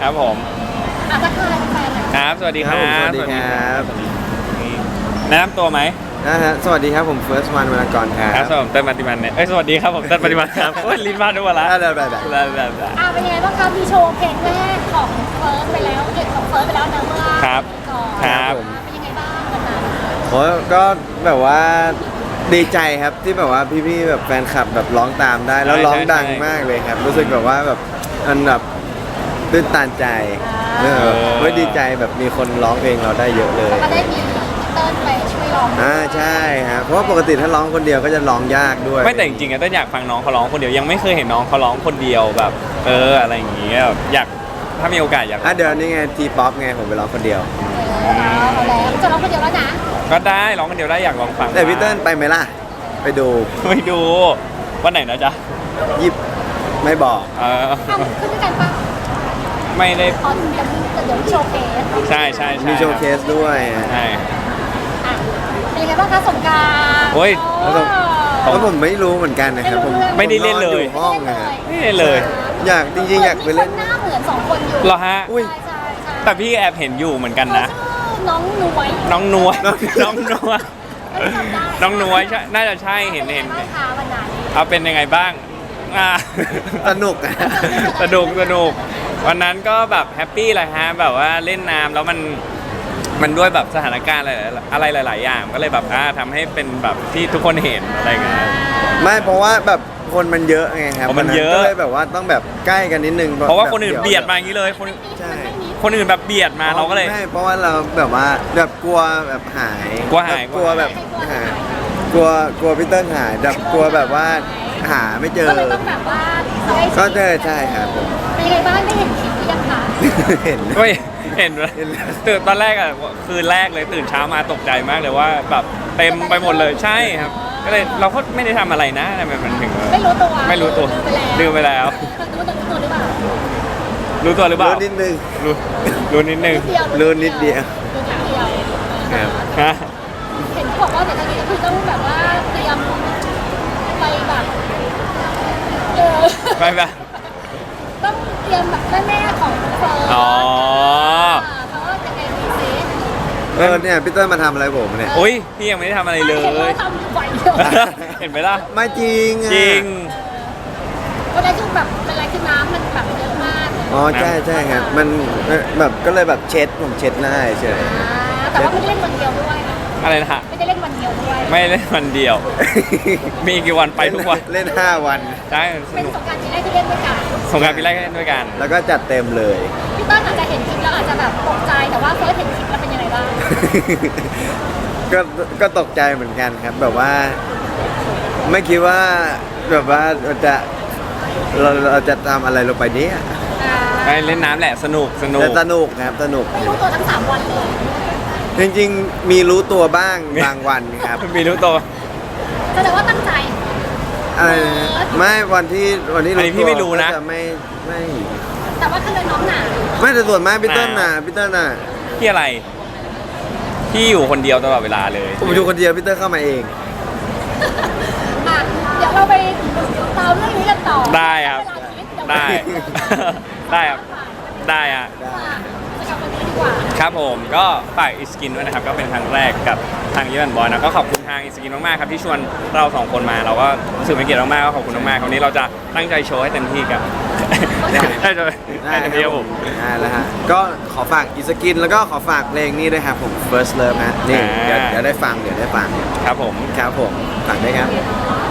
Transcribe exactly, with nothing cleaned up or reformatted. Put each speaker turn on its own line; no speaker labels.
ครับผม
อาจจะเคยแฟนๆ
ครับสวัสดีครับ
สวัสดีครับ
แนะนำตัวไหม
นะฮะสวัสดีครับผม First One วรรณกรครั
ครับ
บ
สวัสดีเต้นปฏิมันเนี่ยเอ้ยสวัสดีครับผมเต้นปฏิมันครับโอ้ยลิ้นพลาดด้วยวะละ
ได้ได้ได้ได้
ได้ได้ได้
อ่าเป็นยังไงบ้างคะมีโชว์เพลงแรกของเฟิร์สไปแล้วเอกของเฟิร์สไปแล้วนะเมื่อ
ครับ
ก่อน
ครับ
เป็นยังไงบ้างวันนั้น
โอ้ก็แบบว่าดีใจครับที่แบบว่าพี่ๆแบบแฟนคลับแบบร้องตามได้ แล้วร้องดังมากเลยครับ รู้สึกแบบว่าแบบมันแบบตื้นตันใจเออเว้ยดีใจแบบมีคนร้องเพลงเราได้เยอะเลย
แล้วก็ได้มีเติ้ลไปช่วยร้อง
อ่าใช่ครับเพราะว่าปกติถ้าร้องคนเดียวก็จะร้องยากด้วย
ไม่แต่จริงๆอะต้นอยากฟังน้องเขาร้องคนเดียวยังไม่เคยเห็นน้องเขาร้องคนเดียวแบบ เอออะไรอย่างเงี้ยแบบอยากถ้ามีโอกาสอยาก
อ่ะเดี๋ยวนี้ไงทีป๊อปไงผมไปร้องคนเดียว
เออเอาแล้วจะร้องคนเดียวแล้วนะ
ก็ได้ร้องคนเดียวได้อยากลองฟัง
แต่พี่เติ้ลไปไหมล่ะ ไปดู
ไม่ดูวันไหนนะจ๊ะ
ยิบไม่บอก
เออ
ทำขึ้นด้วยกันปะ
ไม่ได้
ตอนเดี๋ยวมีเดี๋ยวมีโชว์เพลง
ใช่ใช่ใช่
มีโชว์เคสด้วย
ใช่
อ่ะเป็นยังไงบ้างคะสงกรานต์
โอ้ย
โอ้
เพราะผมไม่รู้เหมือนกันนะครับผม
ไม่ได้เล่นเลย
ผมนอนอยู่ห้องนะครับ
ไม่ได้เลย
อยากจริงๆอยากไปเล่น
มีคนหน้าเหมือนสองคนอยู่
เหรอฮะ
อุ้ย
ใช่ใช่ใช่
แต่พี่แอบเห็นอยู่เหมือนกันนะ
เขาชื่อน้องนวย
น้องนวล
น้อง
น้องนวล
ไม่จำได้
น้องนวลใช่น่าจะใช่เห็นเห็น
ป็นยังไงบ้างคะวันนั้น
เอาเป็นยังไงบ้างอ่า
สนุกอะ
สนุกสนุกวันนั้นก็แบบแฮปปี้เลยฮะแบบว่าเล่นน้ำแล้วมันมันด้วยแบบสถานการณ์อะไรอะไรหลาย ๆ อย่างก็เลยแบบอ่าทำให้เป็นแบบที่ทุกคนเห็นอะไรเงี้ย
ไม่เพราะว่าแบบคนมันเยอะไงครับ
อ๋อมันเยอะ
ก็เลยแบบว่าต้องแบบใกล้กันนิดนึง
เพราะว่าคนอื่น
แบบ
เบียดมาอย่างนี้เลยคน
ใช่
คนอื่นแบบเบียดมาเราก็เลย
ไม่เพราะว่าเราแบบว่าแบบกลัวแบบหาย
กลัวหาย
กลัวแบบหายกลัวกลัวพี่เติ้ลหายแบบกลัวแบบว่าหาไม่เจอ
ก็เลยต้องแบบว่า
ก็เจอใช่ครับผม
เป็นยังไงบ้างได้เห็นคลิปหรือยังคะ
เห็น
เฮ้ยเห็นไหม
เห็นแล้ว
ตื่นตอนแรกอ่ะคืนแรกเลยตื่นเช้ามาตกใจมากเลยว่าแบบเต็มไปหมดเลยใช่ครับ ก็เลยเราก็ไม่ได้ทำอะไรนะทำไมมันถึง
ไม่รู้ตัว
ไม่รู้ตัว
ลื
ลื
ม
ม
ไป
ไป
แล้ว
แล้ว
รู้ตัวรู้ตัวหรือเปล่า
รู้ตัวหรือเปล่า
รู้นิดนึง
รู้รู้นิดนึง
รู้นิดเดียว
รู้นิดเดียว
ครับ
ฮะ
เห็นเขาบอกว่าเดี๋ยวตอนนี้ก็คือต้องแบบว่าเตรียมไปแบบเออ
ไปแบบ
ต้องเตรียมแบบแม่ๆของเฟิร์น
อ๋อ
เขาว่ายังไงดีซิ
เออเนี่ยพี่เติ้ลมาทำอะไรผมเนี่ย
อุ้ยพี่ยังไม่ได้ทำอะไรเล
เห็นว่าย ทำไหวเยอะ
เห็นไหมล่ะ
ไม่จริงอะ
จริง
วันนั้นคือแบบเป็นอะไรคือน้ำมันแบบเยอะมาก
อ๋อใช่ใช่ครับมันเอ่อแบบก็เลยแบบเช็ดผมเช็ดหน้าเฉย
อ่าแต่ว่าไม่ได้เล่นวันเดียวด้วย
อะไรนะฮะ
ไม่ได้เล่นวันเดียวด้วย
ไม่เล่นวันเดียว มีกี่วันไปทุกวัน
เล่นห้าวัน
ใช่ส
เป็น
นุก
สงกรารที่แรกที่เล่นด้วยกัน
สงกรารปีแรกก็เล่นด้วยกัน
แล้วก็จัดเต็มเลย
พี่เต้นอาจจะเห็นคลิปแล้วอาจจะแบบตกใจแต่ว่าเฟิร์สเห็นคลิปแล้วเป็นยังไงบ้าง
ก็ก็ตกใจเหมือนกันครับ แบบว่า ไม่คิดว่าแบบว่าเราจะเราเราจะทำอะไรลงไปเนี้ย
ไปเล่นน้ำแหละสนุกสนุก
แต่สนุกครับสนุก
ไม่รู้ตัวทั้งสามวันเลย
จริงๆ มีรู้ตัวบ้างบางวันครับ
มีรู้ตัว
แสดงว่าตั้งใจ
อะไรนะไม่วันที่วันที่
อันนี้พี่ไม่รู้นะ
ก็จไม่ไม่
แต่ว่าถ้าเลยน้องหนา
ไม่แต่ส่วนมากพี่เติ้ลน่ะพี่เติ้ลน่ะ
พี่อะไร พี่อยู่คนเดียวตลอดเวลาเลย
ผมอยู่คนเดียวพี่เติ้ลเข้ามาเอง
อ่ะเดี๋ยวเราไปตามเรื่องนี้กันต่อ
ได้ครับ ได้ ได้ครับ ได้อะ
จะกลับวันนี้ดีกว่า
ครับผมก็ฝากอิสกินด้วยนะครับ ก็เป็นครั้งแรกกับทางยี่บันบอยนะก็ขอบคุณทางอิสกินมากๆครับที่ชวนเราสองคนมาเราก็รู้สึกเป็นเกียรติมากๆก็ขอบคุณมากๆคราวนี้เราจะตั้งใจโชว์ให้เต็มที่กับ ได้จะให้เต็มที่ครับผม
ได้แล้วฮะก็ขอฝากอีสกินแล้วก็ขอฝากเพลงนี้ด้วยครับผม First Love ฮะนี่เดี๋ยวเดี๋ยวได้ฟังเดี๋ยวได้ฟัง
ครับผม
ครับผมฝากด้วยครับ
โ